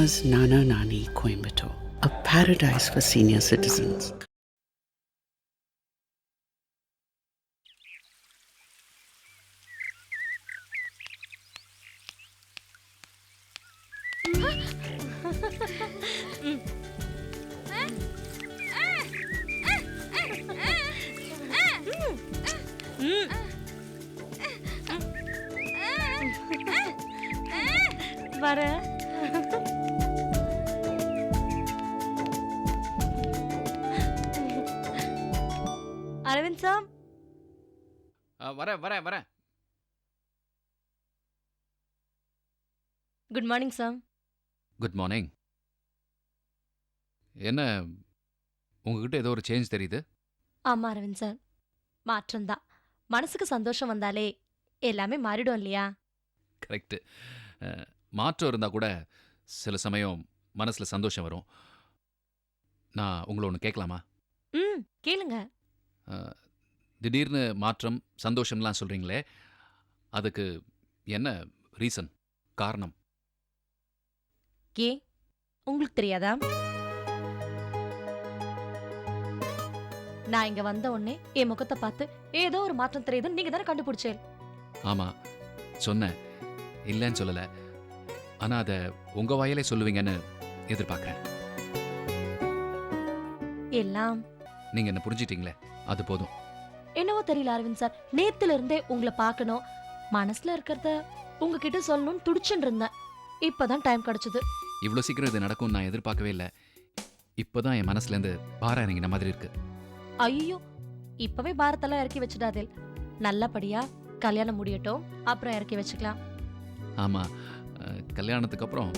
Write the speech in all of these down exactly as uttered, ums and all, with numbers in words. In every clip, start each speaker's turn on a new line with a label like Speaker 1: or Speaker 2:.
Speaker 1: Nana's Nana Nani Coimbatore, a paradise for senior citizens.
Speaker 2: வர Aravind sir
Speaker 3: வரேன் வரேன் வரேன்.
Speaker 2: Good morning sir.
Speaker 3: Good morning. என்ன உங்ககிட்ட ஏதோ ஒரு சேஞ்ச் தெரியுது?
Speaker 2: ஆமா அரவிந்த் சார், மாற்றம் தான். மனசுக்கு சந்தோஷம் வந்தாலே எல்லாமே மாறிடும் இல்லையா?
Speaker 3: கரெக்டு. மாற்றம் இருந்தால் கூட சில சமயம் மனசில் சந்தோஷம் வரும். நான் உங்களை ஒன்று கேட்கலாமா?
Speaker 2: ம் கேளுங்க.
Speaker 3: திடீர்னு மாற்றம் சந்தோஷம்லாம் சொல்கிறீங்களே, அதுக்கு என்ன ரீசன், காரணம்?
Speaker 2: ஏ உங்களுக்கு தெரியாதா? நான் இங்க வந்த உடனே என் முகத்தை பார்த்து ஏதோ ஒரு மாற்றம் தெரியுதுன்னு நீங்க தானே கண்டுபிடிச்சேன்.
Speaker 3: ஆமாம் சொன்னேன், இல்லைன்னு சொல்லலை. ஆனால் அதை உங்கள் வாயிலே சொல்லுவீங்கன்னு எதிர்பார்க்குறேன்.
Speaker 2: எல்லாம்
Speaker 3: நீங்கள் என்ன புரிஞ்சிட்டீங்களே, அது போதும்.
Speaker 2: என்னவோ தெரியல அரவிந்த் சார், நேத்துல இருந்தே உங்களை பார்க்கணும், மனசுல இருக்கிறத உங்ககிட்ட சொல்லணும்னு துடிச்சுட்டு இருந்தேன். இப்பதான் டைம் கிடைச்சது.
Speaker 3: இவ்வளோ சீக்கிரம் இது நடக்கும் நான் எதிர்பார்க்கவே இல்லை. இப்போதான் என் மனசுலேருந்து பாரம் இறங்கின மாதிரி இருக்கு.
Speaker 2: ஐயோ, இப்பவே பாரத்தெல்லாம் இறக்கி வச்சுடாதே. நல்லபடியா கல்யாணம் முடியட்டும், அப்புறம் இறக்கி வச்சுக்கலாம்.
Speaker 3: ஆமாம், கல்யாணத்துக்கு அப்புறம்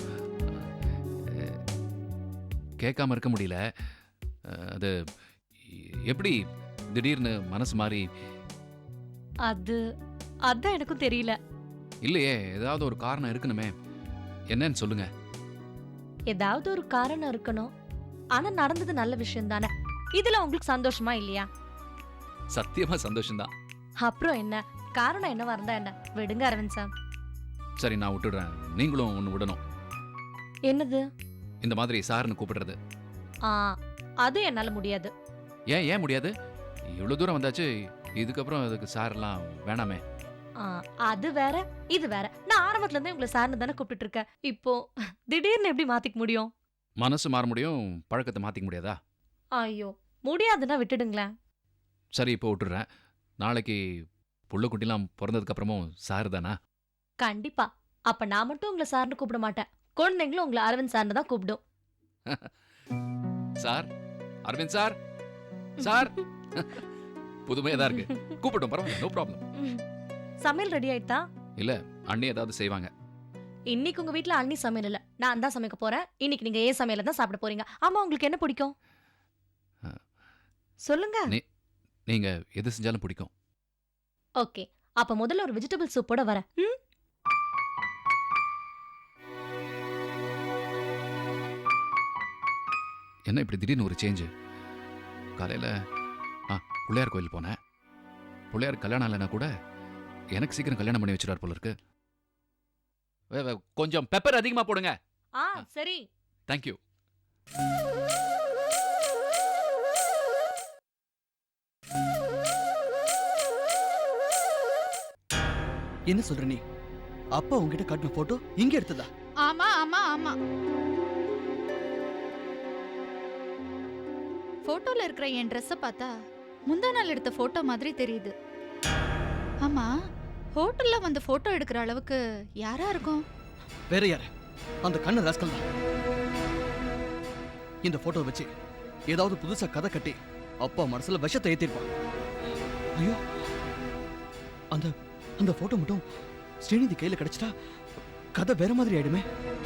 Speaker 3: கேட்காம இருக்க முடியல. அது எப்படி திடீர்னு மனசு மாறி?
Speaker 2: அது அதான் எனக்கும் தெரியல.
Speaker 3: இல்லையே, ஏதாவது ஒரு காரணம் இருக்கணுமே, என்னன்னு சொல்லுங்க.
Speaker 2: ஏதாவது ஒரு காரணம் இருக்கணும். ஆனா நடந்தது நல்ல விஷயம் தானே. இதுல உங்களுக்கு சந்தோஷமா இல்லையா?
Speaker 3: சத்தியமா சந்தோஷம்தான்.
Speaker 2: அப்புறம் என்ன, காரணம் என்னவா இருந்தா என்ன, விடுங்க அரவிந்த் சார்.
Speaker 3: சரி, நான் விட்டுடுறேன். நீங்களும் ஒன்று விடணும்.
Speaker 2: என்னது?
Speaker 3: இந்த மாதிரி சார்னு கூப்பிடுறது.
Speaker 2: ஆ, அது என்னால முடியாது.
Speaker 3: ஏன் ஏன் முடியாது? இவ்வளோ தூரம் வந்தாச்சு, இதுக்கப்புறம் அதுக்கு சார்லாம் வேணாமே.
Speaker 2: ஆ, அது வேற இது வேற. நான் ஆரம்பத்துல இருந்தே உங்களை சார்னு தானே கூப்பிட்டு இருக்கேன். இப்போ திடீர்னு எப்படி மாத்திக்க முடியும்?
Speaker 3: மனசு மாற முடியும், பழக்கத்தை மாத்திக்க முடியாதா?
Speaker 2: ஐயோ, முடியாதுன்னா விட்டுடுங்களேன்.
Speaker 3: சரி, இப்போ விட்டுடுறேன். நாளைக்கு புள்ள குட்டிலாம் பிறந்ததுக்கு அப்புறமும் சார் தானா?
Speaker 2: கண்டிப்பா. அப்ப நான் மட்டும் உங்களை சார்னு கூப்பிட மாட்டேன், குழந்தைங்களும் உங்களை அரவிந்த் சார்னு தான் கூப்பிடும்.
Speaker 3: Sir, Aravind sir, sir. புதுமையா தான் இருக்கு. கூப்பிட்டோம், பரவாயில்ல, நோ ப்ராப்ளம்.
Speaker 2: சமையல் ரெடி ஆயிட்டா?
Speaker 3: இல்ல, அண்ணி ஏதாவது செய்வாங்க.
Speaker 2: இன்னைக்கு உங்க வீட்ல அண்ணி சமையல் இல்ல, நான் தான் சமைக்க போறேன். இன்னைக்கு நீங்க ஏன் சமையல தான் சாப்பிட போறீங்க. ஆமா, உங்களுக்கு என்ன பிடிக்கும் சொல்லுங்க.
Speaker 3: நீங்க எது செஞ்சாலும் பிடிக்கும்.
Speaker 2: ஓகே, அப்ப முதல்ல ஒரு வெஜிடபிள் சூப்போட வரேன்.
Speaker 3: என்ன இப்படி திடீர்னு ஒரு சேஞ்சு? காலையில ஆ பிள்ளையார் கோயில் போனேன். பிள்ளையார் கல்யாணம் இல்லைன்னா கூட எனக்கு சீக்கிரம் கல்யாணம் பண்ணி வச்சிடார் போல இருக்கு. கொஞ்சம் பெப்பர் அதிகமா போடுங்க.
Speaker 2: ஆ சரி,
Speaker 3: தேங்க்யூ.
Speaker 4: என்ன சொல்ற நீ? அப்பா உங்ககிட்ட காட்டின போட்டோ இங்க எடுத்ததா?
Speaker 5: ஆமா ஆமா ஆமா. போட்டோல இருக்கிற என் ட்ரெஸ்ஸ பார்த்தா முந்தா நாள் எடுத்த போட்டோ மாதிரி தெரியுது. ஆமா, ஹோட்டல்ல வந்து போட்டோ எடுக்கிற அளவுக்கு யாரா இருக்கும்?
Speaker 4: வேற யாரு? அந்த கண்ணு ராஸ்கல் தான். இந்த போட்டோ வச்சு ஏதாவது புதுசா கதை கட்டி அப்பா மனசுல விஷத்தை ஏத்திருப்பான். ஐயோ, அந்த அந்த போட்டோ மட்டும் ஸ்ரீநிதி கையில கிடைச்சிட்டா கதை வேற மாதிரி ஆயிடுமே.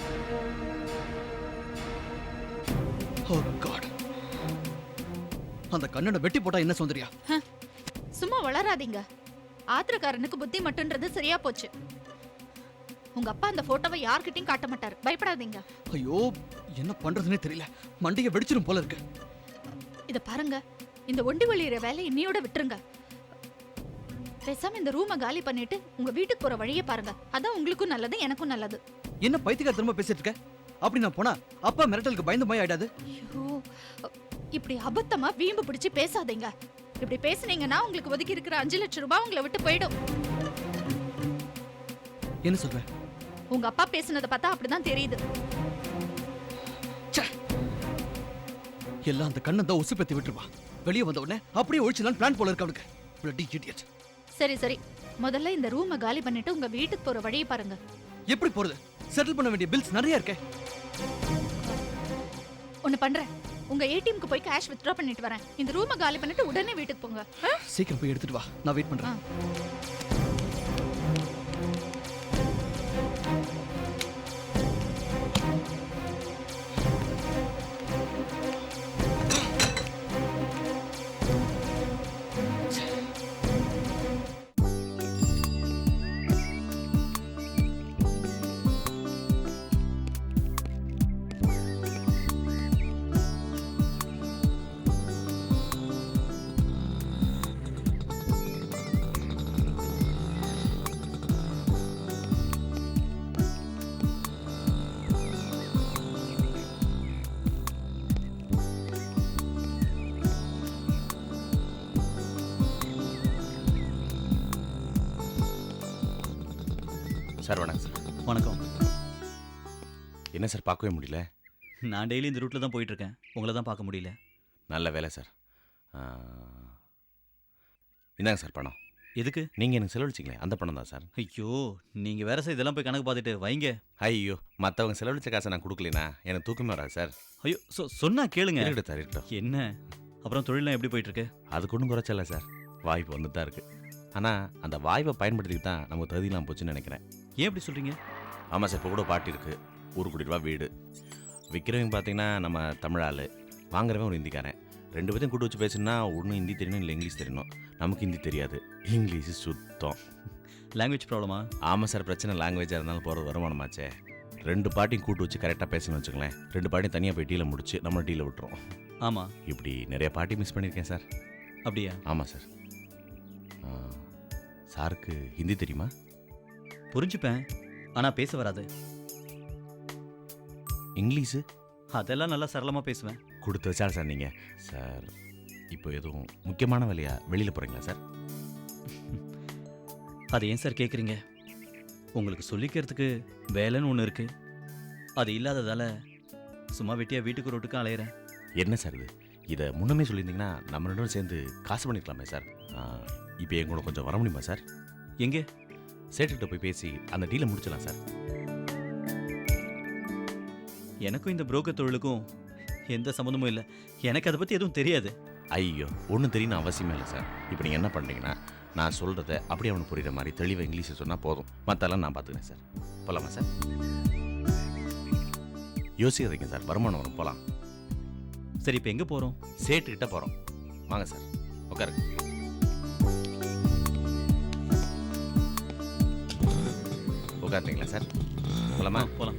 Speaker 4: ஓ காட், அந்த கண்ணனை வெட்டி போட்டா என்ன சௌந்தர்யா?
Speaker 5: சும்மா வளராதீங்க. ஆத்திரக்காரனுக்கு புத்தி மட்டும்ன்றது சரியா போச்சு. உங்க அப்பா அந்த போட்டோவை யார்கிட்டயும் காட்ட மாட்டாரு, பயப்படாதீங்க.
Speaker 4: ஐயோ, என்ன பண்றதுன்னே தெரியல, மண்டைய வெடிச்சிரும் போல இருக்கு.
Speaker 5: இத பாருங்க, இந்த ஒண்டி வழியிற வேலை இன்னையோட விட்டுருங்க. பேசாம இந்த ரூமை காலி பண்ணிட்டு உங்க வீட்டுக்கு போற வழியை பாருங்க. அதான் உங்களுக்கும் நல்லது, எனக்கும் நல்லது.
Speaker 4: என்ன பைத்தியக்கார திரும்ப பேசிட்டு இருக்க? அப்படி நான் போனா அப்பா மிரட்டலுக்கு பயந்து போய் ஆயிடாது.
Speaker 5: ஐயோ, இப்படி அபத்தமா வீம்பு பிடிச்சு பேசாதீங்க. இப்படி பேசுனீங்கன்னா உங்களுக்கு ஒதுக்கி இருக்கிற அஞ்சு லட்சம் ரூபாய் உங்களை விட்டு போயிடும்.
Speaker 4: என்ன சொல்ற?
Speaker 5: உங்க அப்பா பேசுனதை பார்த்தா அப்படிதான் தெரியுது.
Speaker 4: எல்லாம் அந்த கண்ணை தான் உசு பத்தி விட்டுருவா. வெளியே வந்த உடனே அப்படியே ஒழிச்சுதான் பிளான் போல இருக்கு அவனுக்கு. Bloody idiot.
Speaker 5: சரி சரி, முதல்ல இந்த ரூமை காலி பண்ணிட்டு உங்க வீட்டுக்கு போற வழியை பாருங்க.
Speaker 4: எப்படி போறது? செட்டில் பண்ண வேண்டிய பில்ஸ் நிறைய இருக்கே.
Speaker 5: ஒன்னு பண்றேன், உங்க ஏடிஎம்க்கு போய் கேஷ் வித்ட்ரா பண்ணிட்டு வரேன். இந்த ரூமை காலி பண்ணிட்டு உடனே வீட்டுக்கு போங்க. ஆ?
Speaker 4: சீக்கிரம் போய் எடுத்துட்டு வா, நான் வெயிட் பண்றேன்.
Speaker 6: சார் வணக்கம் சார்.
Speaker 7: வணக்கம்.
Speaker 6: என்ன சார் பார்க்கவே முடியல?
Speaker 7: நான் டெய்லி இந்த ரூட்டில் தான் போயிட்டுருக்கேன். உங்களை தான் பார்க்க முடியல.
Speaker 6: நல்ல வேலை சார். இந்தாங்க சார் பணம்.
Speaker 7: எதுக்கு?
Speaker 6: நீங்கள் எனக்கு செலவழிச்சிங்களே அந்த பணம் தான் சார்.
Speaker 7: ஐயோ, நீங்கள் வேற சார் இதெல்லாம் போய் கணக்கு பார்த்துட்டு வைங்க.
Speaker 6: ஐயோ, மற்றவங்க செலவழிச்ச காசை நான் கொடுக்கலனா எனக்கு தூக்கமே வராது சார்.
Speaker 7: ஐயோ, சொ சொன்னா கேளுங்க.
Speaker 6: இருக்கட்டும் சார், இருக்கட்டும்.
Speaker 7: என்ன அப்புறம் தொழிலாம் எப்படி போயிட்டுருக்கு?
Speaker 6: அதுக்கு ஒன்றும் குறைச்சல சார், வாய்ப்பு வந்துட்டு தான் இருக்குது. ஆனால் அந்த வாய்ப்பை பயன்படுத்திக்கிட்டு தான் நமக்கு தகுதியெல்லாம் போச்சுன்னு நினைக்கிறேன்.
Speaker 7: ஏன் எப்படி சொல்கிறீங்க?
Speaker 6: ஆமாம் சார், இப்போ கூட பாட்டி இருக்குது, ஒரு கோடி ரூபா வீடு. விற்கிறவங்க பார்த்தீங்கன்னா நம்ம தமிழ் ஆள், வாங்குறவன் ஒரு ஹிந்திக்காரன். ரெண்டு பேரும் கூட்டு வச்சு பேசுனா ஒன்றும் ஹிந்தி தெரியணும், இல்லை இங்கிலீஷ் தெரியணும். நமக்கு ஹிந்தி தெரியாது, இங்கிலீஷு சுத்தம்.
Speaker 7: லாங்குவேஜ் ப்ராப்ளமா?
Speaker 6: ஆமாம் சார், பிரச்சனை லாங்குவேஜாக இருந்தாலும் போகிறது வருமானமாச்சே. ரெண்டு பாட்டியும் கூட்டு வச்சு கரெக்டாக பேசணும்னு வச்சுங்களேன், ரெண்டு பாட்டியும் தனியாக போய் டீலை முடிச்சு நம்ம டீலை விட்டுரும்.
Speaker 7: ஆமாம்,
Speaker 6: இப்படி நிறைய பாட்டி மிஸ் பண்ணியிருக்கேன் சார்.
Speaker 7: அப்படியா?
Speaker 6: ஆமாம் சார். சாருக்கு ஹிந்தி தெரியுமா?
Speaker 7: புரிஞ்சுப்பேன், ஆனால் பேச வராது.
Speaker 6: இங்கிலீஷு?
Speaker 7: அதெல்லாம் நல்லா சரளமாக பேசுவேன்.
Speaker 6: கொடுத்து வச்சா சார் நீங்கள். சார் இப்போ எதுவும் முக்கியமான வேலையா வெளியில் போகிறீங்களா சார்?
Speaker 7: அதை ஏன் சார் கேட்குறீங்க? உங்களுக்கு சொல்லிக்கிறதுக்கு வேலைன்னு ஒன்று இருக்குது, அது இல்லாததால் சும்மா வெட்டியாக வீட்டுக்கு ரோட்டுக்கு அலையிறேன்.
Speaker 6: என்ன சார் இது? இதை முன்னமே சொல்லியிருந்தீங்கன்னா நம்ம ரெண்டு பேரும் சேர்ந்து காசு பண்ணிக்கலாமே சார். இப்போ என் கூட கொஞ்சம் வர முடியுமா சார்?
Speaker 7: எங்கே?
Speaker 6: சேட்டுக்கிட்ட போய் பேசி அந்த டீலை முடிச்சிடலாம் சார்.
Speaker 7: எனக்கும் இந்த புரோக்கர் தொழிலுக்கும் எந்த சம்மந்தமும் இல்லை. எனக்கு அதை பற்றி எதுவும் தெரியாது.
Speaker 6: ஐயோ, ஒன்றும் தெரியணும் அவசியமே இல்லை சார். இப்போ நீங்கள் என்ன பண்ணுறீங்கன்னா, நான் சொல்கிறத அப்படியே அவனுக்கு புரியுற மாதிரி தெளிவாக இங்கிலீஷில் சொன்னால் போதும், மற்றெல்லாம் நான் பார்த்துக்கிறேன் சார். போகலாமா சார்? யோசிக்காதீங்க சார், வருமானம் வரும், போகலாம்.
Speaker 7: சரி, இப்போ எங்கே போகிறோம்?
Speaker 6: சேட்டுக்கிட்ட போகிறோம், வாங்க சார், உட்காருங்க. உட்காருங்களா சார்? போகலாமா?
Speaker 7: போகலாம்.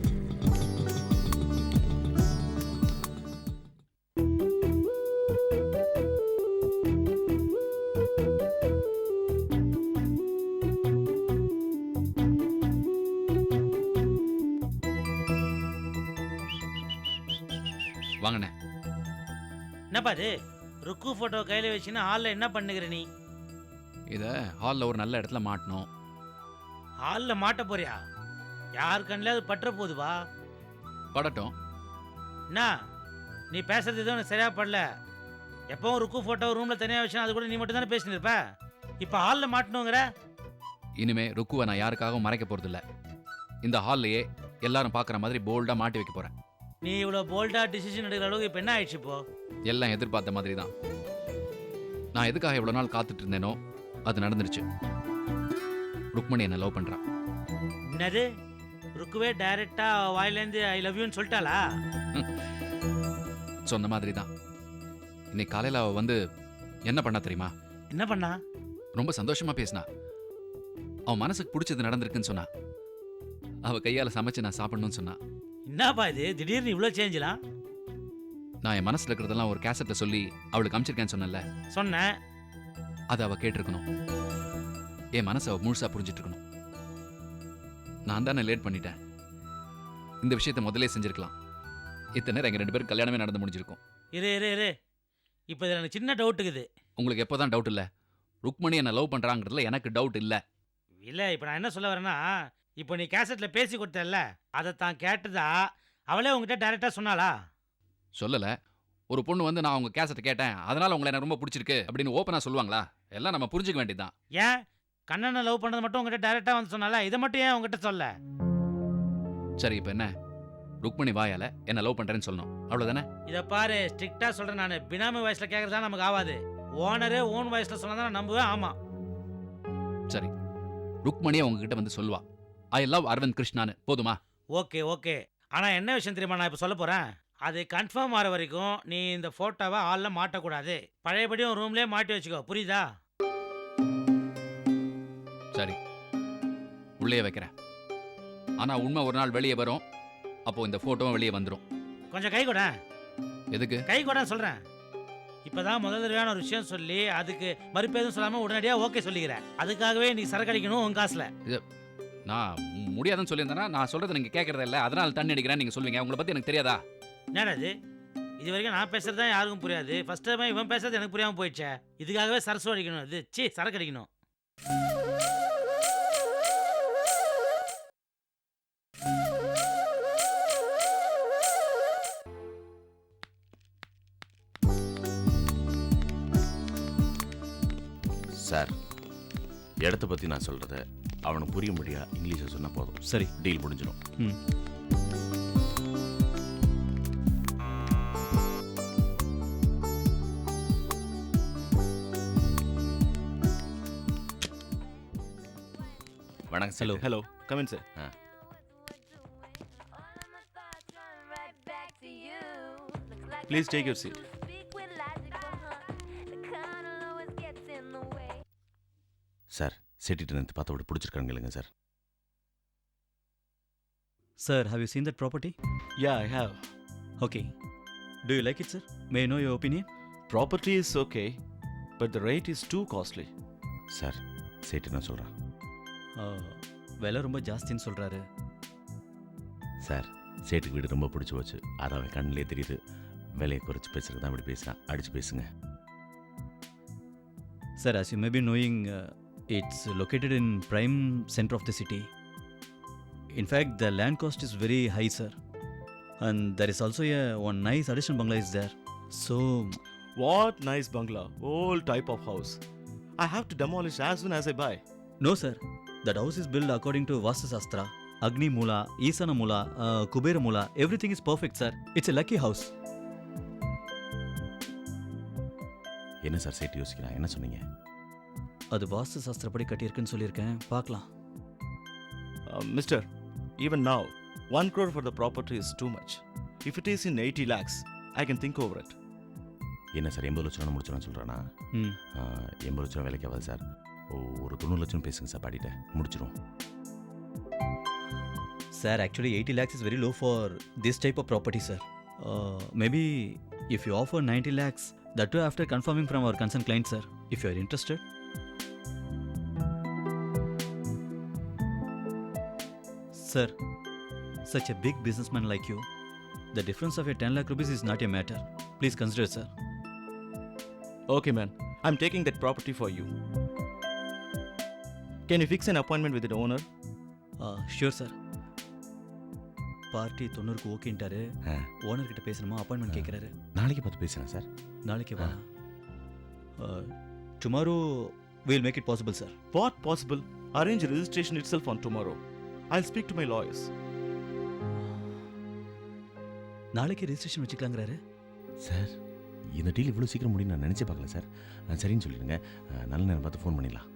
Speaker 3: வாங்கண்ணே.
Speaker 8: என்னப்பா இது ருக்கு ஃபோட்டோ கையில் வச்சுன்னா ஹாலில் என்ன பண்ணுகிற நீ?
Speaker 3: இதை ஹாலில் ஒரு நல்ல இடத்துல மாட்டணும்.
Speaker 8: ஹாலில் மாட்ட போறியா? யார் கண்ணில் அது பற்ற போகுதுவா?
Speaker 3: படட்டும்.
Speaker 8: என்ன நீ பேசுறது எதுவும் எனக்கு சரியா படல. எப்பவும் ருக்கு ஃபோட்டோ ரூமில் தனியாக வச்சுனா அது கூட நீ மட்டும் தானே பேசினு இருப்ப. இப்போ ஹாலில் மாட்டணுங்கிற?
Speaker 3: இனிமே ருக்குவை நான் யாருக்காகவும் மறைக்க போகிறதில்ல. இந்த ஹால்லையே எல்லாரும் பார்க்குற மாதிரி போல்டாக மாட்டி வைக்க போகிறேன்.
Speaker 8: நீ இவ்வளோ போல்டாக டிசிஷன் எடுக்கிற அளவுக்கு இப்போ என்ன ஆயிடுச்சு? இப்போ
Speaker 3: எல்லாம் எதிர்பார்த்த மாதிரி தான். நான் எதுக்காக இவ்வளோ நாள் காத்துட்டு இருந்தேனோ அது நடந்துருச்சு. ருக்மணி என்னை லவ் பண்ணுறான்.
Speaker 8: என்னது? ருக்குவே டைரக்டா வாயிலேருந்து ஐ லவ் யூன்னு சொல்லிட்டாளா?
Speaker 3: சொன்ன மாதிரி தான். இன்னைக்கு காலையில் அவள் வந்து என்ன பண்ணா தெரியுமா?
Speaker 8: என்ன பண்ணா?
Speaker 3: ரொம்ப சந்தோஷமாக பேசினா. அவன் மனசுக்கு பிடிச்சது நடந்திருக்குன்னு சொன்னா. அவள் கையால் சமைச்சு நான் சாப்பிடணும்னு சொன்னா.
Speaker 8: என்னப்பா இது திடீர்னு இவ்வளோ சேஞ்சலாம்?
Speaker 3: நான் என் மனசில் இருக்கிறதெல்லாம் ஒரு கேசட்டை சொல்லி அவளுக்கு அமிச்சிருக்கேன்னு சொன்னேன்ல.
Speaker 8: சொன்னேன்.
Speaker 3: அதை அவள் கேட்டிருக்கணும். என் மனசை அவள் முழுசாக புரிஞ்சிட்டு இருக்கணும். நான் தானே லேட் பண்ணிட்டேன். இந்த விஷயத்தை முதல்ல செஞ்சிருக்கலாம். இத்தனை நேரம் எங்கள் ரெண்டு பேரும் கல்யாணமே நடந்து முடிஞ்சிருக்கும்.
Speaker 8: இரு இரு இரு இப்போ இதில் எனக்கு சின்ன டவுட் இருக்குது.
Speaker 3: உங்களுக்கு எப்போ தான் டவுட் இல்லை? ருக்மணி என்னை லவ் பண்ணுறாங்கிறதுல எனக்கு டவுட் இல்லை.
Speaker 8: இல்லை இப்போ நான் என்ன சொல்ல வரேன்னா, இப்போ நீ கேசட்டில் பேசி கொடுத்தல்ல, அதை தான் கேட்டதா அவளே உங்ககிட்ட டைரெக்டாக சொன்னாளா?
Speaker 3: சொல்லலை. ஒரு பொண்ணு வந்து நான் உங்க கேசட்டை கேட்டேன், அதனால உங்களை எனக்கு ரொம்ப பிடிச்சிருக்கு அப்படின்னு ஓப்பனாக சொல்லுவாங்களா? எல்லாம் நம்ம புரிஞ்சுக்க வேண்டியதுதான்.
Speaker 8: ஏன் கண்ணனை லவ் பண்ணது மட்டும் உங்ககிட்ட டைரெக்டாக வந்து சொன்னால, இதை மட்டும் ஏன் உங்ககிட்ட சொல்ல?
Speaker 3: சரி, இப்போ என்ன? ருக்மணி வாயால என்ன லவ் பண்ணுறேன்னு சொல்லணும், அவ்வளோதானே?
Speaker 8: இதை பாரு, ஸ்ட்ரிக்டாக சொல்கிறேன் நான். பினாமி வயசில் கேட்குறதா நமக்கு ஆகாது. ஓனரே ஓன் வயசில் சொன்னா தான் நான் நம்புவேன். ஆமாம்,
Speaker 3: சரி. ருக்மணியை உங்ககிட்ட வந்து சொல்லுவா ஐ லவ் அரவிந்த் கிருஷ்ணான்னு, போதுமா?
Speaker 8: Okay okay. ஆனால் என்ன விஷயம் தெரியுமா நான் இப்போ சொல்ல போகிறேன்? அது கன்ஃபார்ம் ஆகிற வரைக்கும் நீ இந்த ஃபோட்டோவை ஹாலில் மாட்டக்கூடாது. பழையபடியும் ரூம்லேயே மாட்டி வச்சுக்கோ, புரியுதா?
Speaker 3: சரி, உள்ளே வைக்கிறேன். ஆனால் உண்மை ஒரு நாள் வெளியே வரும், அப்போ இந்த ஃபோட்டோவும் வெளியே வந்துடும்.
Speaker 8: கொஞ்சம் கை கூட.
Speaker 3: எதுக்கு
Speaker 8: கை கூட சொல்கிறேன். இப்போ தான் முதல் தடவையான ஒரு விஷயம் சொல்லி அதுக்கு மறுப்பு எதுவும் சொல்லாமல் உடனடியாக ஓகே சொல்லிக்கிறேன். அதுக்காகவே நீ சரக்கு அடிக்கணும் உன் காசில்.
Speaker 3: நான் முடியாதுன்னு சொல்லியிருந்தேன்னா நான் சொல்கிறத நீங்கள் கேட்குறத இல்லை, அதனால் தண்ணி அடிக்கிறேன் நீங்கள் சொல்லுவீங்க. உங்களை பற்றி எனக்கு தெரியாதா?
Speaker 8: என்னடா இது? இது வரைக்கும் நான் பேசுறது தான் யாருக்கும் புரியாது. ஃபர்ஸ்ட் டைம் இவன் பேசுறது எனக்கு புரியாமல் போயிடுச்சே. இதுக்காகவே சரசு அடிக்கணும். இது சி சரக்கு அடிக்கணும்.
Speaker 6: சார், இடத்த பற்றி நான் சொல்கிறத அவனுக்கு புரிய முடியா இங்கிலீஷை சொன்னால் போதும்.
Speaker 7: சரி,
Speaker 6: டீல் முடிஞ்சிடும்.
Speaker 7: ம்.
Speaker 6: வணக்கம்.
Speaker 7: Hello.
Speaker 6: Hello, come in sir. Ah
Speaker 9: Please take your seat.
Speaker 6: Sir, செட்டிட்டு நிறுத்தி பார்த்த விட பிடிச்சிருக்காங்க sir.
Speaker 7: Sir, have you seen that property?
Speaker 9: Yeah, I have.
Speaker 7: Okay. Do you like it, sir? May I know your opinion?
Speaker 9: Property is okay, but the rate is too costly.
Speaker 6: Sir, செட்டு நான் சொல்கிறேன்.
Speaker 7: Uh, விலை ரொம்ப ஜாஸ்தின்னு சொல்கிறாரு.
Speaker 6: Sir, சேட்டுக்கு வீடு ரொம்ப பிடிச்சி போச்சு. அது அவன் கண்ணிலே தெரியுது. விலையை குறைச்சி பேசுறது தான் அப்படி பேசுகிறான். அடிச்சு பேசுங்க.
Speaker 7: Sir, as you may be knowing, uh, it's located in prime center of the city. In fact, the land cost is very high, sir. And there is also a one nice additional bungalow is there. So,
Speaker 9: What nice bungalow, old type of house. I have to demolish as soon as I buy.
Speaker 7: no, sir. That house is built according to Vastu Shastra. Agni Mula, Isana Mula, uh, Kubera Mula. Everything is perfect, sir. It's a lucky house.
Speaker 6: என்ன sir சேட்டு யோசிக்கிறான்? என்ன சொன்னீங்க?
Speaker 7: அது வாஸ்து சாஸ்திரப்படி கட்டியிருக்குன்னு சொல்லியிருக்கேன், பார்க்கலாம்.
Speaker 9: Uh, mister, even now, one crore for the property is too much. If it is in eighty lakhs, I can think over it.
Speaker 6: என்ன சார், எண்பது லட்சம் முடிச்சிடணும்னு சொல்கிறானா?
Speaker 7: ம்.
Speaker 6: எண்பது லட்சம் வேலைக்கு ஆகாது சார். ஒரு தொண்ணூறு லட்சம் பேசுங்க சார், பாடிட்ட முடிச்சிடும்.
Speaker 7: Sir, actually eighty lakhs is very low for this type of property, sir. Uh, maybe if you offer ninety lakhs, that too after confirming from our concerned client, sir. If you are interested. Sir, such a big businessman like you, the difference of a ten lakh rupees is not a matter. Please consider, sir.
Speaker 9: Okay, man. I'm taking that property for you. Can you fix an appointment with the owner?
Speaker 7: Uh, sure, sir. Party தொண்ணூறுக்கு ஓகேன்ட்டாரு. Owner கிட்ட பேசணுமா, appointment கேட்குறாரு.
Speaker 6: நாளைக்கு பார்த்து பேசுகிறேன் sir.
Speaker 7: நாளைக்கு வா. Tomorrow will make it possible, sir.
Speaker 9: What possible? Arrange registration itself on tomorrow. I'll speak to my lawyers.
Speaker 7: நாளைக்கு ரெஜிஸ்ட்ரேஷன் வச்சுக்கலாங்கிறாரு.
Speaker 6: சார், இந்த டீல் இவ்வளோ சீக்கிரம் முடியும் நான் நினச்சி பார்க்கல சார். சரின்னு சொல்லிடுங்க. நல்ல நேரம் பார்த்து ஃபோன் பண்ணிடலாம்.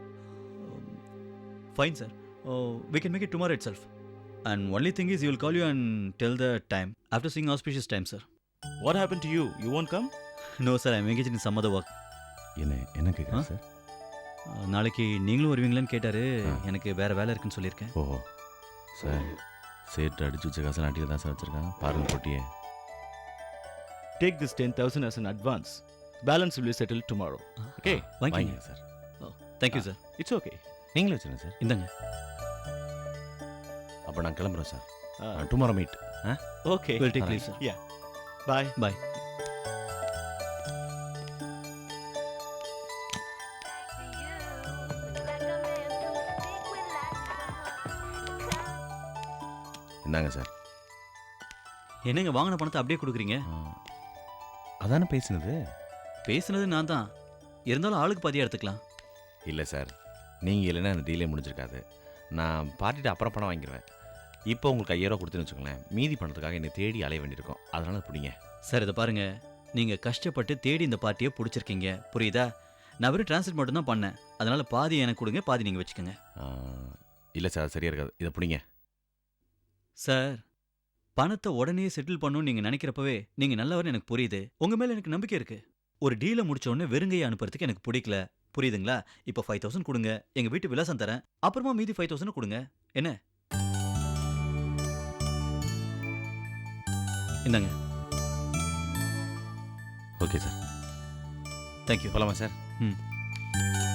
Speaker 7: Fine, sir. We can make it tomorrow itself. And only thing is, he will call you and tell the time. After seeing auspicious time, sir.
Speaker 9: What happened to you? You won't come?
Speaker 7: No, sir. I'm engaged in some other work.
Speaker 6: என்ன என்ன கேட்குறேன் sir?
Speaker 7: நாளைக்கு நீங்களும் வருவீங்களான்னு கேட்டாரு. எனக்கு வேற வேலை இருக்குன்னு சொல்லியிருக்கேன்.
Speaker 6: ஓஹோ சார், சேட்டு அடிச்சு வச்ச காசு நாட்டில் தான் சார் வச்சுருக்காங்க. பாருங்க போட்டியே.
Speaker 9: Take this ten thousand as an advance. Balance will be settled tomorrow. Okay?
Speaker 7: வாங்கிங்க
Speaker 6: sir.
Speaker 7: Thank you, sir.
Speaker 9: It's okay.
Speaker 6: நீங்களே வச்சுருங்க சார்.
Speaker 7: இந்தாங்க.
Speaker 6: அப்போ நான் கிளம்புறேன் sir. Tomorrow meet ah
Speaker 9: Okay.
Speaker 7: We'll take leave, sir.
Speaker 9: Yeah. Bye.
Speaker 7: Bye.
Speaker 6: இந்தாங்க sir.
Speaker 7: என்னங்க வாங்கின பணத்தை அப்படியே கொடுக்குறீங்க?
Speaker 6: ஆ, அதானே பேசினது.
Speaker 7: பேசுனது நான் தான். இருந்தாலும் ஆளுக்கு பாதியாக எடுத்துக்கலாம்.
Speaker 6: இல்லை சார், நீங்கள் இல்லைன்னா அந்த டீலே முடிஞ்சிருக்காது. நான் பார்ட்டிட்டு அப்புறம் பணம் வாங்கிடுவேன். இப்போ உங்களுக்கு ஐயாயிரம் ரூபா கொடுத்துன்னு வச்சுக்கோங்களேன், மீதி பணத்துக்காக என்னை தேடி அலைய வேண்டியிருக்கும். அதனால பிடிங்க.
Speaker 7: சார் இதை பாருங்க, நீங்கள் கஷ்டப்பட்டு தேடி இந்த பார்ட்டியை பிடிச்சிருக்கீங்க, புரியுதா? நான் வெறும் டிரான்ஸ்லேட் மட்டும் தான் பண்ணேன். அதனால பாதி எனக்கு கொடுங்க, பாதி நீங்கள் வச்சுக்கோங்க.
Speaker 6: இல்லை சார், அது சரியாக இருக்காது. இதை பிடிங்க.
Speaker 7: சார் பணத்தை உடனே செட்டில் பண்ணணும்னு நீங்கள் நினைக்கிறப்பவே நீங்கள் நல்லவர்னு எனக்கு புரியுது. உங்கள் மேலே எனக்கு நம்பிக்கை இருக்கு. ஒரு டீலை முடிச்ச உடனே வெறுங்கையை அனுப்புறதுக்கு எனக்கு பிடிக்கல, புரியுதுங்களா? இப்போ ஃபைவ் தௌசண்ட் கொடுங்க, எங்கள் வீட்டு விலாசம் தரேன், அப்புறமா மீதி ஃபைவ் தௌசண்ட் கொடுங்க. என்ன? இந்தாங்க.
Speaker 6: Okay sir,
Speaker 7: thank you.
Speaker 6: போலாமா சார்?
Speaker 7: ம்.